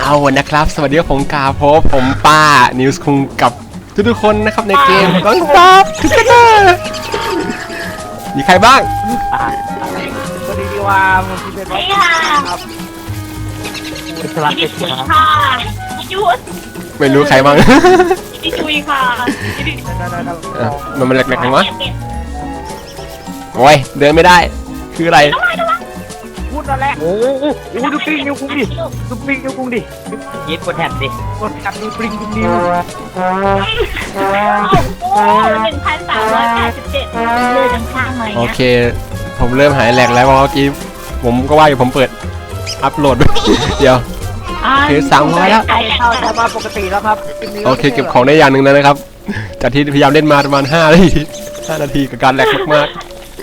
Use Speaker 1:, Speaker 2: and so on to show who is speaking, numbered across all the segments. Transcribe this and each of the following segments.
Speaker 1: เอานะครับสวัสดีครับผมกาพบผมป้านิวส์คุงกับทุกๆคนนะครับในเกมก็ซับทุกคนมีใครบ้าง
Speaker 2: สวัสดีว่าผมเป็นบอสครับเป็นสลัดเป็ด
Speaker 3: ค่ะยุทธ
Speaker 1: ไม่รู้ใครบ้าง
Speaker 3: พี่จุยค่ะ
Speaker 1: มันแหลกๆไงวะโอ้ยเดินไม่ได้คืออะไร
Speaker 2: พูดแล้วแหละโอ้ดูปิ้งนิ้วคุ้งดิดูปิ้งนิ้วคุ้งดิยิบกดแท็บดิกดแท็บดูปิ้งนิ้ว
Speaker 3: 1,387เลยข้างๆเลย
Speaker 1: โอเคผมเริ่มหายแหลกแล้วเพราะเมื่อกี้ผมก็ว่าอยู่ผมเปิดอัพโหลดเดี๋ยวคือ300แล้ว
Speaker 2: เข้าจะมาปกติแล้วครับ
Speaker 1: โอเคเก็บของได้อย่างหนึ่งแล้วนะครับจากที่พยายามเล่นมาประมาณ5 นาทีกับการแหลกมาก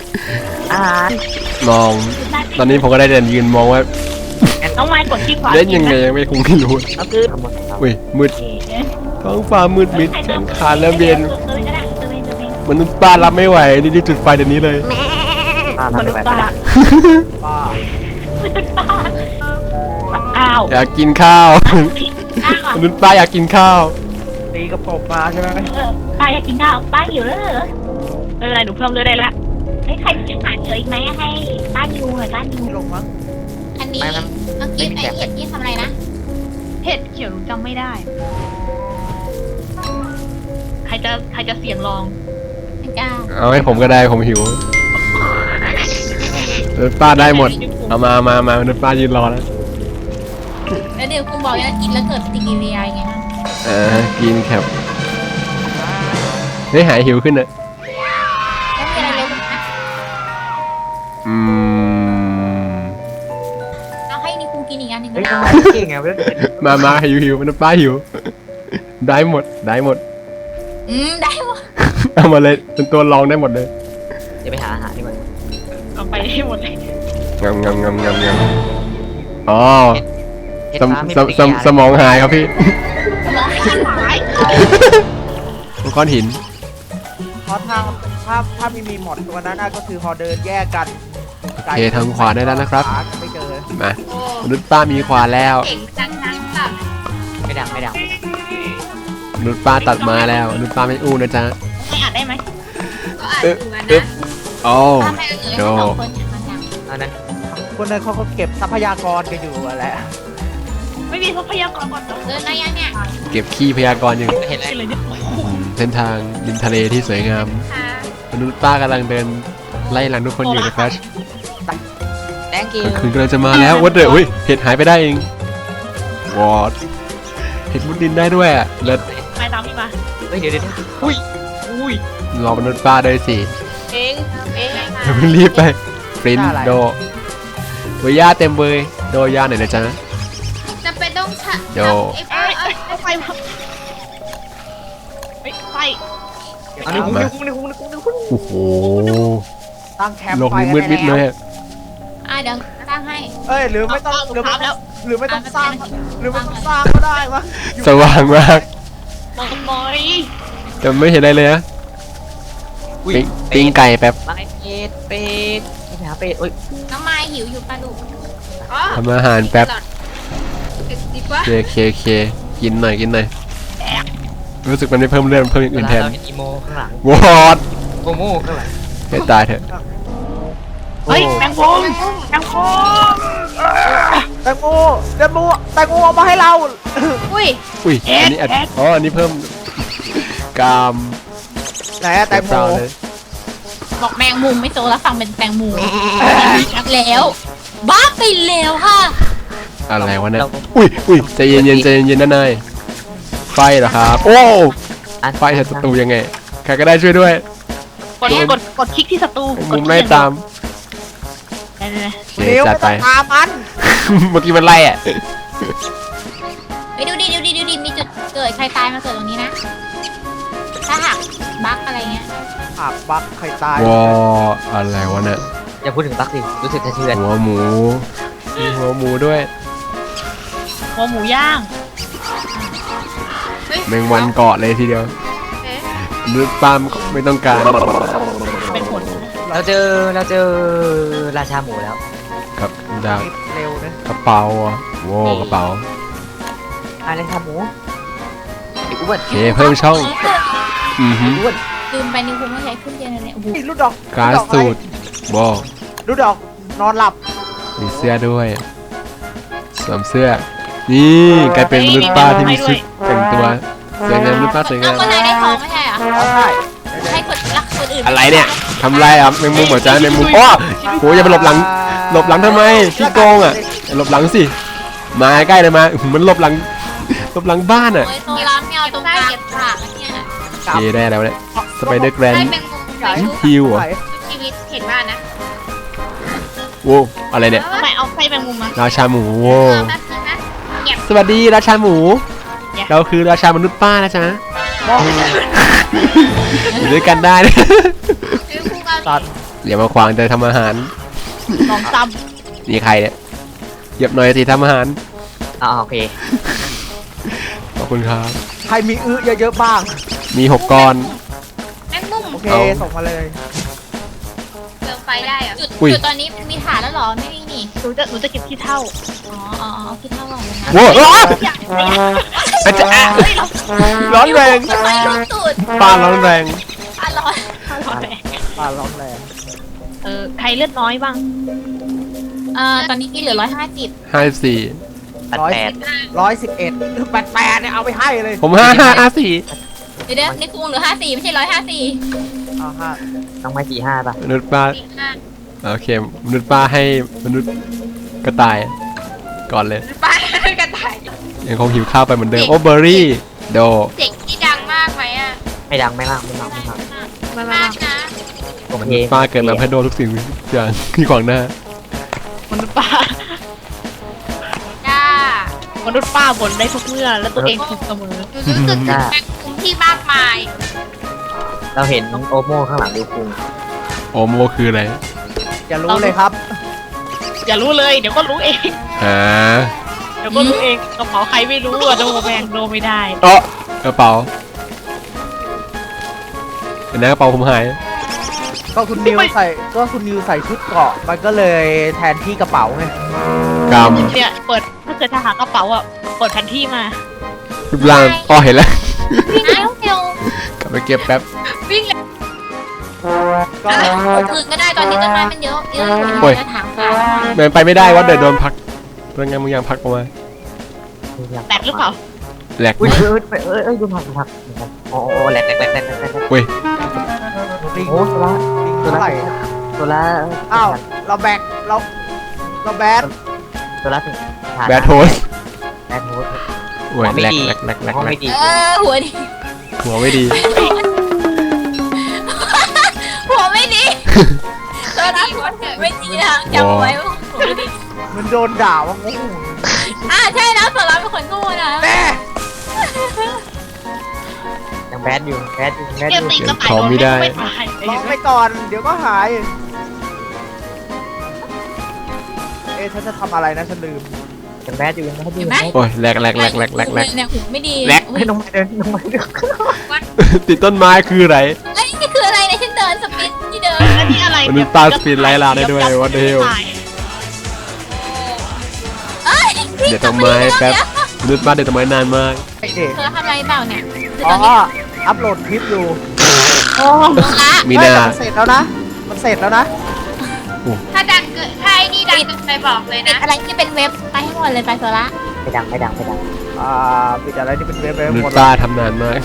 Speaker 1: ๆมองตอนนี้ผมก็ได้เดินยืนมองว่า
Speaker 3: น้องไม้กดที่ขวา
Speaker 1: เล่นยังไงยังไม่คงไม่รู้อุ้ยมืดท้องฟ้ามืดมิดแขนขาและเบนมนุษย์ป้ารับไม่ไหวนี่จุดไฟเดี๋ยวนี้เลย
Speaker 3: มนุษย์ป้าอ้าว
Speaker 1: อยากกินข้าวมนุษย์ป้าอยากกินข้าว
Speaker 2: ตีกระป๋องมาใช่ไหม
Speaker 3: ป้าอยากกินข้าวป้าหิวแล้วเหรออะไรหนูเพิ่มเลยได้ละให้ใครจะผ่านเจออีกไหมให้ป้านิวหน่อยป้านิว
Speaker 2: ลงมั้ง
Speaker 4: อันนี้เมื่อกี้ไอเห็ดนี่ทำอะไรนะ
Speaker 3: เห็ดเขียวหนูจำไม่ได้ใครจะเสี่ยงลอง
Speaker 4: ไม่กล้า
Speaker 1: เอาให้ผมก็ได้ผมหิวมนุษย์ป้าได้หมดเอามามนุษย์ป้ายืนรอแล้ว
Speaker 4: เดี๋ยวคุณบอกว่ากินแล้วเกิดปฏิกิริยาไงบ้าง
Speaker 1: กินแคปได้หายหิวขึ้นอะ
Speaker 4: แล้วมีอะไรเร็วนะเอาให้นี่คุณกินอีกอันหนึ่งก็ได้
Speaker 2: เก่งไงเว้ย
Speaker 1: มาหิวมนุษย์ป้าหิวได้หมด
Speaker 4: ได้หมด
Speaker 1: เอามาเลยเป็นตัวรองได้หมดเลย
Speaker 2: จะไปหาอาหารดีกว่า
Speaker 3: เอาไปให้หมดเลย
Speaker 1: งำอ๋อสมองหายครับพี่ก้อนหิน
Speaker 2: เพราะถ้ามีหมดตัวนั้นก็คือพอเดินแยกกัน
Speaker 1: โอเคทางขวาได้แล้วนะครับ
Speaker 2: ไม่เจอ
Speaker 1: มามนุษย์ป้ามีขวาแล้ว
Speaker 2: ไม่ดัง
Speaker 1: มนุษย์ป้าตัดมาแล้วมนุษย์ป้าไม่อู้นะจ๊ะ
Speaker 3: ไม่อ่านได้ไหม
Speaker 1: โอ้โด
Speaker 2: อันนั้นคนนั้นเขาเก็บทรัพยากรกันอยู่แหละ
Speaker 3: ไม่มีทรัพยากรก่อน
Speaker 4: เดินอะไรยังเนี่ย
Speaker 1: เก็บขี้พยากรอยู่
Speaker 2: เห็นอะไร
Speaker 1: เส้นทางริมทะเลที่สวยงามมนุษย์ป้ากำลังเดินไล่หลังทุกคนอยู่นะครับคืนกำลังจะมาแล้ววัดเดือดเห็ดหายไปได้เองวอดเห็ดมุดดินได้ด้วยอ่ะเลิศ
Speaker 3: ไปตามพี่มา
Speaker 2: เดี๋ยวอุ้ย
Speaker 1: รอมนุษย์ป้าได้สิ
Speaker 4: เอง
Speaker 1: รีบไปปริ้นโดย่าเต็มเลยโดย่าหน่อยนะจ๊ะ
Speaker 4: จะไปต้อง
Speaker 1: โด
Speaker 3: ไฟ
Speaker 2: อันนี้คุ้ง
Speaker 1: โอ้โห
Speaker 2: ตั้งแคมป์
Speaker 1: โลกนี้มืดมิดเลย
Speaker 4: เดี๋ยวตั้งให้
Speaker 2: หรือไม่ต้องหรือไม่ต้องสร้างก็ได้วะ
Speaker 1: สว่างมาก
Speaker 3: มอย
Speaker 1: แต่ไม่เห็นอะไรเลยนะปิ้งไก่แป๊บ
Speaker 2: เป็ดไปหาเป็ด
Speaker 4: น้องไม้หิวอยู่ปลาดุก
Speaker 1: ทำอาหารแป๊บเคกินหน่อยรู้สึกมันไม่เพิ่มเรื่องเพิ่มอย่างอื่นแทน
Speaker 2: อีโมข้างหลัง
Speaker 1: วอด
Speaker 2: โมข้างหลัง
Speaker 1: ให้ตายเถอะ
Speaker 3: เฮ้ยแตงโม
Speaker 2: เอามาให้เรา
Speaker 4: อุ้ย
Speaker 1: อันนี้อันนี้เพิ่มกาม
Speaker 2: ไหนแตงโม
Speaker 4: บอกแมงมุมไม่โตแล้วฟังเป็นแตงมุมแล้วบ้าไปแล้วค่ะ
Speaker 1: อะไรวะเนี่ยอุ้ยใจเย็นนะนายไฟเหรอครับโอ้ไฟศัตรูยังไงใครก็ได้ช่วยด้วย
Speaker 3: กดคลิกที่ศัตรู
Speaker 1: มุมไล่ตาม
Speaker 2: เร็วไปตามมัน
Speaker 1: เมื่อกี้มันไล่อ่ะ
Speaker 4: ไปดูดิมีจุดเกิดใครตายมาเกิดตรงนี้นะถ้าหักบั๊กอะไรเงี้ย
Speaker 2: หักบั๊กใครตาย
Speaker 1: อะไรวะเนี่ย
Speaker 2: อย่าพูดถึงบั๊กดิรู้สึกสะเทือน
Speaker 1: หัวหมูมีหัวหมูด้วย
Speaker 3: หัวหมูย่าง
Speaker 1: แมงวันเกาะเลยทีเดียวมือปามไม่ต้องการ
Speaker 3: เป็นผล
Speaker 2: เราเจอราชาหมูแล้ว
Speaker 1: ครับดาว
Speaker 2: เร็วนะ
Speaker 1: กระเป๋าโว้กระเป๋า
Speaker 2: อะไรครับหมูไอ้อ้วน
Speaker 1: โอเคเพิ่มช่องอือฮึ
Speaker 2: อ้วน
Speaker 4: ลืมไปนิวคุงต้องใช้เครื่องเจนเนี่ยโอ้โห
Speaker 2: ลูกดอก
Speaker 1: การสูตรบอ
Speaker 2: ลูกดอกนอนหลับ
Speaker 1: มีเสื้อด้วยสวมเสื้อนี่กลายเป็นมนุษย์ป้าที่มีชุดแต่งตัวสวยงามมนุษย์ป้าสวยงาม
Speaker 4: คนไหนได้ทองไม่ใช่เหรอ
Speaker 2: อ๋อใช่
Speaker 4: ให้คนรักคนอื่น
Speaker 1: อะไรเนี่ยทำไรอ่ะแมงมุมเหรอจ๊ะแมงมุมโอ้โหอย่าไปหลบหลังทำไมขี้โกงอ่ะหลบหลังสิมาใกล้เลยมามันหลบหลังบ้านอ่ะ
Speaker 4: โอ้ยโซล่าไม่เอาตรงกลางเก็บฉากเนี่ย
Speaker 1: โอเคได้แล้วเนี่ยสไปเดอร์แกรน
Speaker 4: ให้แมงมุมไปชุบ
Speaker 1: ฮิวเหรอ
Speaker 4: ชีวิตเห็นว่านะ
Speaker 1: โว้อะไรเนี่ย
Speaker 3: ทำไมเอาไส้แมงมุมมา
Speaker 1: ราชาหมูโว้
Speaker 4: แป๊บนึงนะเงียบ
Speaker 1: สวัสดีราชาหมู เราคือราชามนุษย์ป้านะจ๊ะอยู่ด้วยกันได้นะ
Speaker 4: นิวคุงเอา
Speaker 2: สัตว์
Speaker 1: อย่ามาขวางใจทำอาหาร
Speaker 3: ลองซ้
Speaker 1: นี่ใครเนี่ยเหยียบหน่อยสิทำอาหาร
Speaker 2: โอเค
Speaker 1: ขอบคุณครับ
Speaker 2: ใครมีเยอะๆบ้าง
Speaker 1: มี6ก้อน
Speaker 4: แมงมุม
Speaker 2: โอเค
Speaker 1: เอา
Speaker 2: ส่งมาเลย
Speaker 4: เติมไฟได้เหรอจุด
Speaker 1: อุ้ย
Speaker 4: จุดตอนนี้มีฐานแล้วเหรอไม่มีนี่
Speaker 3: ำหนูจะเก็บขี้เท่า
Speaker 4: อ๋อเอาคิดเท่าไหร่นะ
Speaker 1: โว้อ้าวอาจจะร้อนแรง
Speaker 4: ไฟลุกตูด
Speaker 1: ป้าร้อนแรง
Speaker 4: อ่ะร้อน
Speaker 2: ปลาร้องแรง
Speaker 3: ใครเลือดน้อยบ้าง
Speaker 4: ตอนนี้มีเหลือ150
Speaker 1: 54
Speaker 2: 111 88เนี่ยเอาไปให้เลย
Speaker 1: ผม5554
Speaker 4: เดี๋ยวนี่คุงเหลือ54ไม่ใช่154
Speaker 2: เอาห้า
Speaker 5: ต้องไม่45ป่ะ
Speaker 1: มนุษย์ป้าโอเคมนุษย์ป้าให้มนุษย์กระต่ายก่อนเลย
Speaker 4: ป้ากันถ่าย
Speaker 1: ยังคงหิวข้าวไปเหมือนเดิมโอ้เบอร์รี่โด
Speaker 4: เสียงที่ดังมากไหมอ่ะ
Speaker 5: ไม่ดังไม่มากไม่มาก
Speaker 3: ไม่ไม่
Speaker 4: มากนะ
Speaker 5: โอ
Speaker 1: ม
Speaker 5: เค
Speaker 1: นุษย์ป้าเกิดมาเพื่อโดนทุกสิ่งทุกอย่างที่ขวางหน้า
Speaker 3: มนุษย์ป้า
Speaker 4: จ้าม
Speaker 3: นุษย์ป้าบ่นได้ทุกเมื่อ แล้วตัวเองถูกเสมอ
Speaker 4: รู้สึกถึงแมงมุมที่มากมาย
Speaker 5: เราเห็นโอโม่ข้างหลังดิวคุง
Speaker 1: โอโมคืออะไร
Speaker 2: อย่ารู้เลยครับ
Speaker 3: อย่ารู้เลย เดี๋ยวก็รู้เอง
Speaker 1: อ่า
Speaker 3: เดี๋ยวก็รู้เองกระเป๋าใครไม่รู้อะโดแมงโดไม่ได้
Speaker 1: เออกระเป๋าเห็นไหมกระเป๋าผมหาย
Speaker 2: ก็คุณนิวใส่ชุดเกราะมันก็เลยแทนที่กระเป๋าไง
Speaker 1: กรรม
Speaker 3: เนี่ยเปิดถ้าเกิดจะหากระเป๋าอ่ะเปิดแผนที่มา
Speaker 1: รูปร่างอ๋อเห็นแล้ว
Speaker 4: วิ่งเร็วเร็ว
Speaker 1: กลับไปเก็บแป๊บ
Speaker 4: วิ่งเร็ว
Speaker 2: ก็
Speaker 4: คืนก็ได้ตอนนี้ต้นไม้มันเยอะเยอะอยู่
Speaker 1: โอ้ย
Speaker 4: ในถางฟ้า
Speaker 1: เดินไปไม่ได้ว่าเดี๋ยวโดนพักเรื่องไงมึงยังพักออกมา
Speaker 3: แตกหรือเปล่า
Speaker 1: แหลก
Speaker 5: อุ้ย
Speaker 1: มาก
Speaker 5: ดูผักโอ้แหลก
Speaker 1: เว้ย
Speaker 2: ลิง
Speaker 5: โอ้ตัวละ
Speaker 2: ลิงเท่าไหร่
Speaker 5: ตัวละ
Speaker 2: อ้าวเราแบกเราแบก
Speaker 5: ตัวละถึง
Speaker 1: แบทโทส
Speaker 5: แบทโฮส
Speaker 1: โอ้ยแหลกแหลก
Speaker 5: ห้องไม่ดี
Speaker 4: หัวดี
Speaker 1: หัวไม่ดี
Speaker 4: หัวไม่ดีตัวนี้ไม่ดีนะจำไว้ว่าหัวไม่ดี
Speaker 2: มันโดนด่าว่างู
Speaker 4: ใช่นะส่วนเราเป็นคนโง่นะ
Speaker 2: แม่
Speaker 5: ยังแบทอยู่
Speaker 3: เกมตีกระต่าย
Speaker 1: ของ
Speaker 3: โดน
Speaker 1: ไม่ได้
Speaker 3: ไม่ตาย
Speaker 2: ลองไปก่อนเดี๋ยวก็หายฉันจะทำอะไรนะฉันลืม
Speaker 5: ยังแบทอยู่
Speaker 4: เห็นไหม
Speaker 1: โอ้ยแหลก
Speaker 4: เนี่ยหูไม่ดี
Speaker 1: แหลก
Speaker 5: ไม่ต้องมาเดิน
Speaker 1: ติดต้นไม้คืออะไร
Speaker 4: ไอ้นี่คืออะไรในฉันเดินสปินที่เดิน
Speaker 3: อันนี้อะไร
Speaker 1: มนุษย์ป้าสปีดไล่ลาได้ด้วย what the hell เดี๋ยวต้นไม้แป๊บมนุษย์ป้าเดี๋ยวต้นไม้นานมาก
Speaker 2: ไอเด็ก
Speaker 4: เธอทำอะไรเปล่าเนี่ย
Speaker 2: อ๋ออัพโหลดคลิปอยู่
Speaker 4: ละ
Speaker 1: มีนา
Speaker 2: มันเสร็จแล้วนะ มันเสร็จแล้วนะ
Speaker 4: ถ้าดังเกิดถ้าไอ้นี่ดังเกิดไปบอกเลยนะอะไรที่เป็นเว็บไปให้หมดเลยไปโซล่า
Speaker 5: ไม่ดัง
Speaker 2: ปิดอะไรที่เป็นเว็บ
Speaker 1: มนุ
Speaker 2: หม
Speaker 1: ษ
Speaker 2: ด
Speaker 1: ย์ป้าทำนานมาก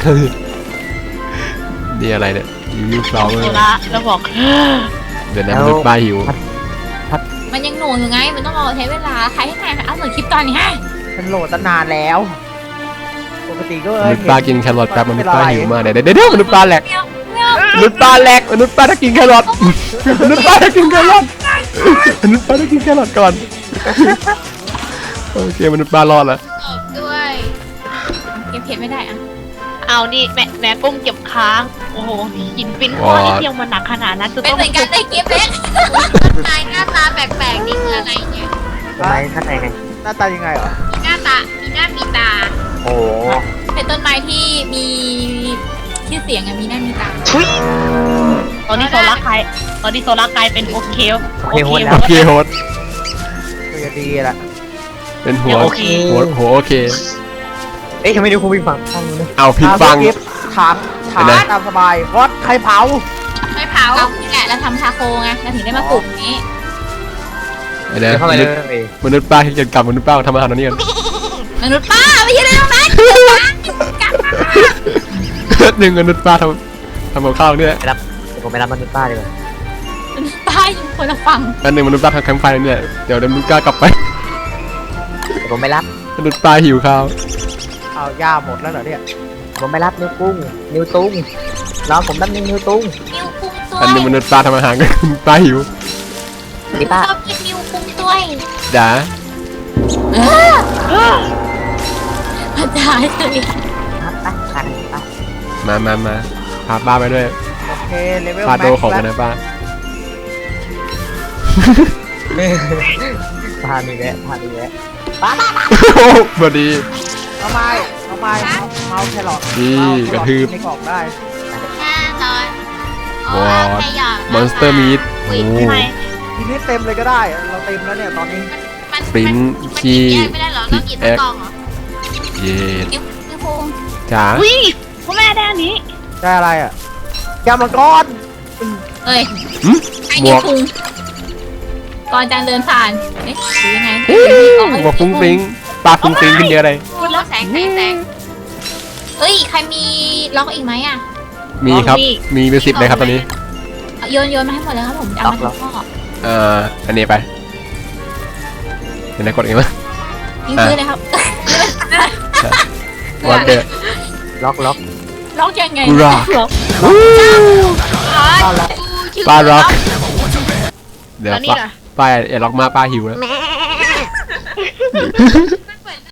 Speaker 1: นี่อะไรเนี่ยยูฟลาวเวอ
Speaker 3: โซ
Speaker 1: ร์
Speaker 3: ล่าแล้วบอก
Speaker 1: เดี๋ยวนะมนุษย์ป้าหิว
Speaker 4: มันยังหนูอยู่ไงมันต้องรอใช้เวลาใครให้ใครเอาเหมือนคลิปตอนนี้ฮะ
Speaker 2: ฉันโหลดตั้งนานแล้ว ปกติก็
Speaker 1: มนุษย์ป้ากินแครอทแป๊บมนุษย์ป้าหิวมากเดี๋ยวมนุษย์ป้าแหลก
Speaker 4: เมียวเมียว
Speaker 1: มนุษย์ป้าแหลกมนุษย์ป้าถ้ากินแครอทมนุษย์ป้าถ้ากินแครอทมนุษย์ป้าถ้ากินแครอทก่อนโอเคมนุษย์ป้ารอดแล้ว
Speaker 4: ตบด้วยเก็บเพชรไม่ได้อะ
Speaker 3: เอานี่แม่ก้มเก็บค้าง โอ้โหหินปิ้นก้อนที่เที่ยวมันหนักขนาดนั้นจะ
Speaker 4: เป็น
Speaker 3: ต้อง
Speaker 4: เหมือนกันในคลิปเล็กนายหน้าตาแปลกๆนี่คืออะไรเนี่ย
Speaker 5: ทำไมข้างในไง
Speaker 2: หน้าตายังไงเหรอ
Speaker 4: มีหน้าตามีหน้ามีตา
Speaker 5: โอ้
Speaker 4: เป็นต้นไม้ที่มีชื่อเสียงอะมีหน้ามีตา
Speaker 3: ตอนนี้โซล่ากลายเป็นโอเค
Speaker 5: โอเคโฮส
Speaker 1: โอเคโฮส
Speaker 2: คือจะดีละ
Speaker 1: เป็นหัว
Speaker 5: โอเค
Speaker 1: หัวโอเค
Speaker 5: เอ๊ะทำไมนิวคุงวิ่งฝั่งข้างนู้นเลย
Speaker 1: เอาผิดฟัง
Speaker 2: ถาม
Speaker 1: เห็นไหม
Speaker 2: ตามสบายวัดใครเผา
Speaker 4: ไม่เผาเรานี่แหละเราทำชาโคไงเราถึงได้มาปลูกนี้
Speaker 1: ไอ้
Speaker 5: เดี๋
Speaker 1: นะ
Speaker 5: ยวเข้าไปเลย
Speaker 1: มนุษย์ป้าที่จะกลับมนุษย์ป้าทำอาหารตรงนี้กัน
Speaker 4: มนุษย์ป้าไม่ใช่เรื่องนั้นกลับมา
Speaker 1: หนึ่งมนุษย์ป้าทำกับข้าวเนี่ย
Speaker 5: ไปรับเดี๋ยวผมไปรับมนุษย์ป้าดีกว่าม
Speaker 4: นุษย์ป้าอยู่คนละฝั่ง
Speaker 1: อันหนึ่งมนุษย์ป้าทำแคมป์ไฟเนี่ยเดี๋ยวมนุษย์ป้ากลับไป
Speaker 5: เดี๋ยวผมไปรับ
Speaker 1: มนุษย์ป้าหิวข้าว
Speaker 2: เอาย่าหมดแล้วเหรอเนี่ย
Speaker 5: ผมไปรับนิวกุ้งนิวตุ้งรอผมแป๊บนึงนิวตุ้ง
Speaker 4: นิวคุ้งตัวย
Speaker 1: อันหนึ่งมนุษย์ป้าทำอาหารกันป้าหิว
Speaker 5: ดิป้า
Speaker 4: ชอบกินนิวคุ้งตัวย
Speaker 1: จ๋า
Speaker 4: พระเจ้าเลย
Speaker 5: ครับป้าป้าป้า
Speaker 1: มาพาป้าไปด้วย
Speaker 2: โอเคเลเวล
Speaker 1: ป้า
Speaker 2: แม็
Speaker 1: โด
Speaker 2: ก
Speaker 1: ของ
Speaker 2: ซ์
Speaker 1: กัน
Speaker 2: แล้ว
Speaker 1: นะป้า
Speaker 5: ป้ามีแวะป้ามีแวะ
Speaker 1: โอ้พอดี
Speaker 2: เอาไม้เมาแครอท
Speaker 1: นี่
Speaker 2: เาก
Speaker 1: ระทืบ
Speaker 2: ในกล่องได้
Speaker 4: แน่นอน
Speaker 1: วอด มอนสเตอร์มีดโอ้
Speaker 2: ทีนี้เต็มเลยก็ได้เราเต็มแล้วเนี่ยตอนนี้
Speaker 1: ปริ้นคีย์
Speaker 4: ไม่ได้เหรอต้องหยิบกล่องเหรอ
Speaker 1: เย็ด
Speaker 4: นิวคุ้ง
Speaker 1: จ๋า
Speaker 3: อุ้ยพ่อแม่ได้อันนี้
Speaker 2: ได้อะไรอ่ะแกวมังกร
Speaker 4: เอ้ย
Speaker 1: หึ
Speaker 4: ไอ้
Speaker 1: บ
Speaker 4: นิ
Speaker 1: ว
Speaker 4: ว
Speaker 1: ก
Speaker 4: คุ้งก่อนจางเดินผ่านเอ๊ะหรือยังไง
Speaker 1: บวกฟุ้งฟริ้งป้าฟุ้งฟริ้งขึ้นเยอะเลย
Speaker 4: พูดแล้วแสงเอ้ยใครมีล็อกอีกไหมอ่ะ
Speaker 1: มีครับมีเป็น10เลยครับตอนนี้
Speaker 4: โยนมาให้หมดเลยครับผมจะเอามาทุกข้อ
Speaker 1: อันนี้ไปเห็นไหมกดเองมั้ย
Speaker 4: ยิงซื้อเลยครับ
Speaker 1: วันเดอร์
Speaker 5: ล็อก
Speaker 4: ล็อกยังไง
Speaker 1: ร็อก
Speaker 4: ล็อก
Speaker 1: ป้าร็อกเดี๋ยวป้าอย่าล็อกมาป้าหิวแล้ว